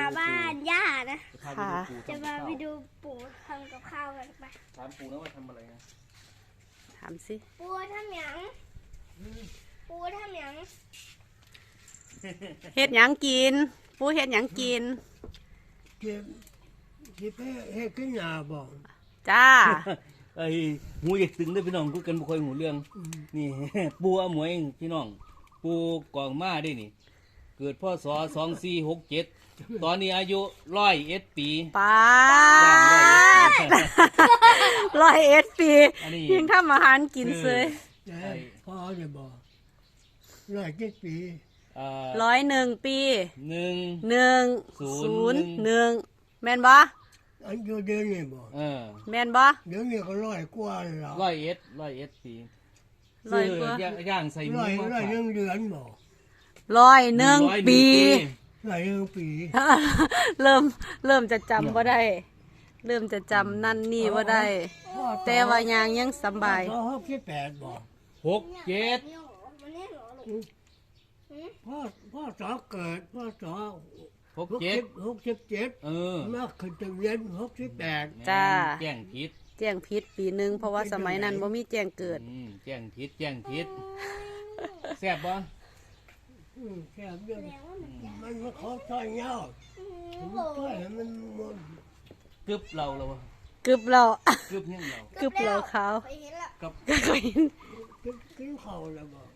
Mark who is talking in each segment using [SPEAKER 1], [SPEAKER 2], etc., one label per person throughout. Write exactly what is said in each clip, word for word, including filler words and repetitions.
[SPEAKER 1] บ้านย่านะ
[SPEAKER 2] ค่ะ
[SPEAKER 1] จะมาไปดูปู่ทำกับข้าวกันไป
[SPEAKER 3] ถามปู่นะว่าทำอะไรนะ
[SPEAKER 2] ถามสิ
[SPEAKER 1] ปู่ทำหยังปู่ทำหยัง
[SPEAKER 2] เฮ็ดหยังกินปูเฮ็ดหยังกิน
[SPEAKER 4] เก็บเก็บให้ให้ขึ้นหน้าบอก
[SPEAKER 2] จ้า
[SPEAKER 3] ไอ้หูอยากตึงได้อพี่น้องคุยกันบ่ค่อยหูเรื่องนี่ ปู่อาหมวยพี่น้องปู่กองมาได้นี่ เกิดพศสองสี่หกเจ็ดตอนนี้อายุร้อยเอ็ดปี
[SPEAKER 2] ปา
[SPEAKER 3] ย่างร้อยเอ็ดปี
[SPEAKER 2] ร้อยเอ็ดปี
[SPEAKER 3] อันนี้
[SPEAKER 2] ยังทำอาหารกินเสย
[SPEAKER 4] แต่พ่อจะบอกร้อยเจ็ดปี
[SPEAKER 3] เอ่อ
[SPEAKER 2] ร้อยหนึ่งปี
[SPEAKER 3] หนึ่ง
[SPEAKER 2] หนึ่ง
[SPEAKER 3] ศู
[SPEAKER 2] ศู
[SPEAKER 3] น
[SPEAKER 2] น
[SPEAKER 3] ย์
[SPEAKER 2] ย์หนึ่งแม่นบ่
[SPEAKER 4] อันอยู่เดือนนี้บอก
[SPEAKER 3] เออ
[SPEAKER 2] แม่นบ่
[SPEAKER 4] เดี๋ยวนี้ก็ร้อยกว่าแล้ว
[SPEAKER 3] ร้อยเอ็ดร้อยเอ็ดปี
[SPEAKER 2] ร้อยกว่า
[SPEAKER 3] ซื้อย่างใส่หมู
[SPEAKER 4] ร้อย
[SPEAKER 3] มา
[SPEAKER 4] ร้อย
[SPEAKER 3] ฝาก
[SPEAKER 4] หนึ่งเดือนบอก
[SPEAKER 2] ร้อยหนึ่ง
[SPEAKER 3] ร้อย
[SPEAKER 2] ปี
[SPEAKER 4] ร้อยหนึ่งปี
[SPEAKER 2] เริ่มเริ่มจะจำบ่ได้ เริ่มจะจำนั่นนี่บ่ได้
[SPEAKER 4] พ่อ
[SPEAKER 2] แต่ว่ายางยังสำบาย
[SPEAKER 4] พ่อหกสิบแปดบอก
[SPEAKER 3] หกเจ็ด
[SPEAKER 1] เนี่ยเหรอมันเนี่ยเหรอลูก
[SPEAKER 4] พ่อพ่อสอเกิดพ่อสอ
[SPEAKER 3] หก
[SPEAKER 4] หก
[SPEAKER 3] เจ็ด
[SPEAKER 4] สิบหกสิบเจ็ด
[SPEAKER 3] เออ
[SPEAKER 4] มาขึ้นทะเบียนหกสิบแปด
[SPEAKER 2] จ้า
[SPEAKER 3] แจ้งผิด
[SPEAKER 2] แจ้งผิดปีหนึงเพราะว่าสมัยนั้นบ่มีแจ้งเกิด
[SPEAKER 3] อืมแจ้งผิดแจ้งผิดแซ่บบ่
[SPEAKER 4] อืมแค่เรื่อง
[SPEAKER 1] แสดงว่ามันยาก
[SPEAKER 4] มันมาขอซอยเงา
[SPEAKER 1] อืม
[SPEAKER 4] มัน
[SPEAKER 1] โอ้
[SPEAKER 4] ซอยให้มันหมด
[SPEAKER 3] กึบเราแล้ววะ
[SPEAKER 2] กึบเรา
[SPEAKER 3] กึบยังเรา
[SPEAKER 2] กึบเราขาว
[SPEAKER 1] ไปเห็นละ
[SPEAKER 3] กับ
[SPEAKER 2] ก็เคยเห็น
[SPEAKER 4] กินกินข้าวแล้วบอก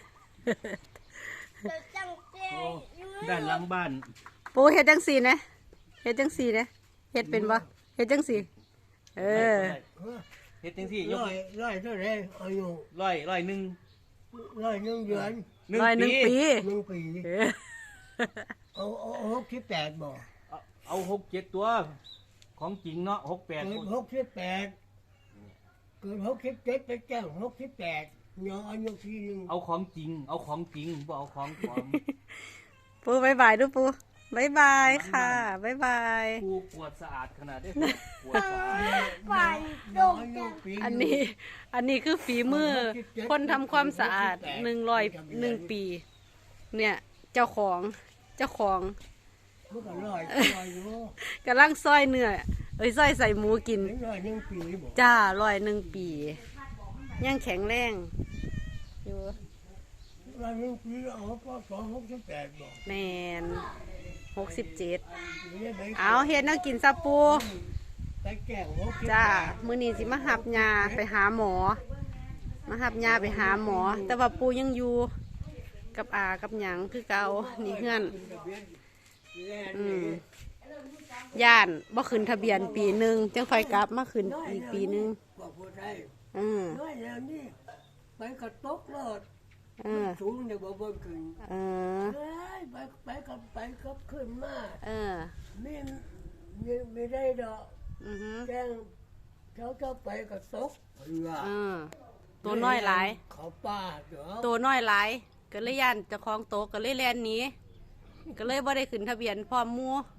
[SPEAKER 1] เกิดจังเจอยู่
[SPEAKER 3] ด้านหลังบ้าน
[SPEAKER 2] ปูเฮ็ดจังสี่นะเฮ็ดจังสี่นะเฮ็ดเป็นบ่เฮ็ดจังสี่เออ
[SPEAKER 3] เฮ็ดจังซี่ยก
[SPEAKER 4] ร้อยร้อยเท่าไรอายุ
[SPEAKER 3] ร้อยร้อยหนึ่ง
[SPEAKER 4] ร้อยหนึ่งเดือน
[SPEAKER 3] หนึ่ง
[SPEAKER 2] ร้อยหนึ่ง
[SPEAKER 3] ปี
[SPEAKER 2] ปี
[SPEAKER 4] หนึ่งปี
[SPEAKER 2] เออ
[SPEAKER 4] เอาเอาเอาหกสิบแปดบอก
[SPEAKER 3] เอาเอาหกเจ็ดตัว ของจริงเนาะหกแปด
[SPEAKER 4] เกิดหกสิบแปดเกิดหกสิบเจ็ดไปแจ้งหกสิบแปดย้อนอายุทีหนึ่ง
[SPEAKER 3] เอาของจริง เอาของจริงบ่เอาของปลอม
[SPEAKER 2] ปูบายบายดูปูบายบายค่ะบายบาย
[SPEAKER 3] กูกวดสะอาดขนาดได้กวดสะอาด
[SPEAKER 1] ฝันโด
[SPEAKER 4] ย้อน
[SPEAKER 1] ก
[SPEAKER 4] อายุ
[SPEAKER 1] จัง
[SPEAKER 4] ปี
[SPEAKER 2] อันนี้ อันนี้คือฝีมือ คนทำความสะอาดหนึ่งร้อยหนึ่งปี เนี่ย เจ้าของเจ้าของ
[SPEAKER 4] มันก็ร้อยร้อยอยู่
[SPEAKER 2] กำลังซอยเนื้อเอ้ยซอยใส่หมูกิน
[SPEAKER 4] ถึงร้อยหนึ่งปีบอก
[SPEAKER 2] จ้าร้อยหนึ่งปียังแข็งแรงอยู่
[SPEAKER 4] ร้อยหนึ่งปีเอาก็สองหกสิบแปดบอก
[SPEAKER 2] แมนหกสิบเจ็ด
[SPEAKER 4] ไม่ได้ไป
[SPEAKER 2] เอาเฮ็ดแนักกินซาปู
[SPEAKER 4] ไปแจ้งหกสิบ
[SPEAKER 2] จ้า
[SPEAKER 4] แปด
[SPEAKER 2] มื้อนี้สิมาหับยาไปหาหมอ มาหับยาไปหาหมอ แต่ว่าปูยังอยู่กับอากับหยังคือเก่านี่เฮือนอืมย่านบ่ขึ้นทะเบียนปีหนึงจังค่อยกลับมาขึ้นอีกปีหนึง
[SPEAKER 4] บอกพูดได้
[SPEAKER 2] อืม
[SPEAKER 4] น้อยแล้วนี่ไปกระตกรถ
[SPEAKER 2] เออ
[SPEAKER 4] สูงเนี่ยบ่บนขึ้น
[SPEAKER 2] เออ
[SPEAKER 4] เอ้ยไปไปกับไปกับขึ้นมา
[SPEAKER 2] เออ
[SPEAKER 4] ไม่ไม่ไม่ได้ดอก
[SPEAKER 2] อือฮึ
[SPEAKER 4] แจ้งเขาจะไปกระตกเรือ
[SPEAKER 2] เออตัวน้อยหลาย
[SPEAKER 4] เขาป้าเด้อ
[SPEAKER 2] ตัวน้อยหลายก็เลยย่านเจ้าของโตก็เลยแล่นหนีก็เลยบ่ได้ขึ้นทะเบียนพร้อมหมู่